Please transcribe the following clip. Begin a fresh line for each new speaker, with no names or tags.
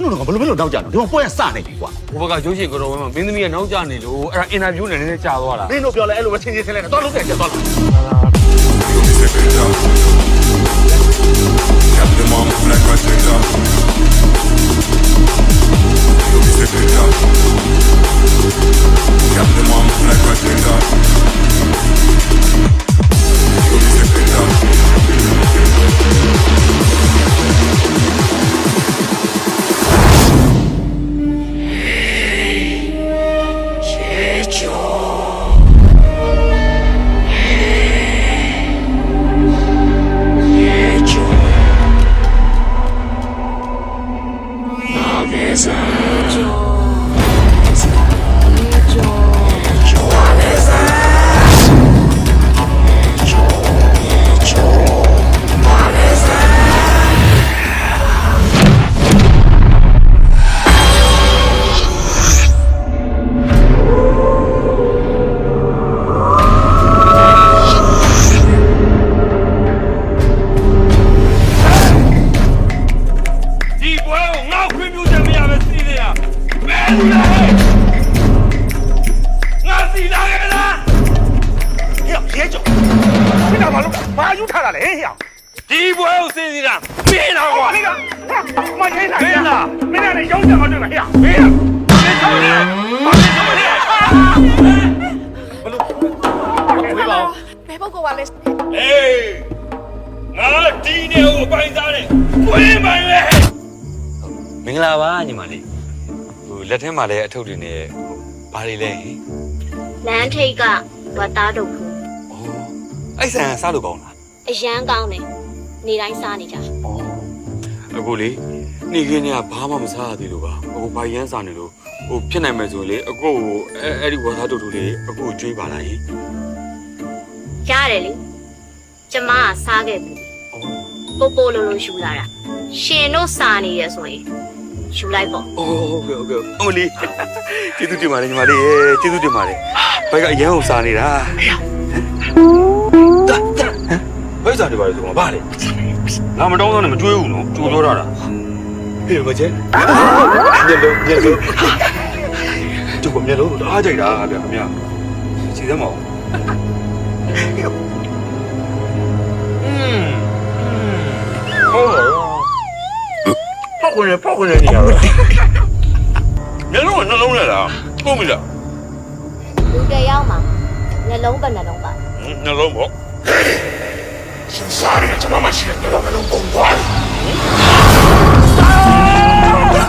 တို့ကဘယ်လိုနောက်ကြတော့ဒီမှာပွဲစနေပြီကွာ
ဘိုးဘကရုပ်ရှင်ကတော့ဝင်းမှာမင်းသမီးကနောက်ကျနေလို့အဲ့ဒါအင်တာဗျူးနဲ့နည်းနည်းကြာသွားတာ
မင်းတို့ပြောလဲအဲ့လိုပဲချင်းချင်းဆင်းလဲတော့လုံးတယ်ကျသွားလား
Captain Mom, black right things up. You'll be sick it up. Captain Mom, black right things up. You'll be sick it up.
ဒီပွဲကိုစင်စီတာမင်းတော့ကွာ
မင်းလည်းရုံးကြအောင်တွေ့မှာဟဲ့မင်း
ဘယ်ပုဂ္ဂိုလ်ပါလဲ
အေးငါဒီနေကိုပိုင်စားတယ်ဝင်းပိုင်ပဲမင်္ဂလာပါညီမလေးဟိုလက်ထဲမှာလည်းအထုပ်တွေနဲ့ဘာတွေလဲဟင်
လမ်းထိပ်ကဝတ်သားတို့ဘူး
အဲ့ဆန်စားလို့ကောင်းလား
အရန်ကောင်းတယ်နေတိုင်းစားနေကြ
အခုလေနေခင်းကဘာမှမစားရသေးလို့ပါအခုဘာရမ်းစားနေလို့ဟိုဖြစ်နိုင်မယ်ဆိုလေအခုအဲ့ဒီဝါသားတို့လေးအခုကျွေးပါလားဟင်
ရတယ်လေကျမကစားခဲ့ပြီပိုပိုလိုလိုယူလာတာရှင်တို့စားနေရဆိုရင်ယူလိုက်ပေါ့
ဟုတ်ကဲ့အမလေးကျေးဇူးတင်ပါတယ်ညီမလေးကျေးဇူးတင်ပါတယ်ဘယ်ကအရန်ကိုစားနေတာဘယ်စားနေပါလဲဆိုတော့ဗါလေငါမတောင်းတော့နဲ့မကျွေးဘူးနော်ကြိုးပြောတာဟေးမကျဲညလုံးကျုပ်ကမျက်လုံးအားကြိုက်တာဗျာခင်ဗျာခြေသမောပေါက်ဝင်နေရပါမျက်လုံးကနှလုံးနဲ့လားပုံပြီလား
လူတယောက်မှာနှလုံးပဲနှလုံးပါ
နှလုံးပေါ့
Sin saber, llamamos y el pelo me lo pongo.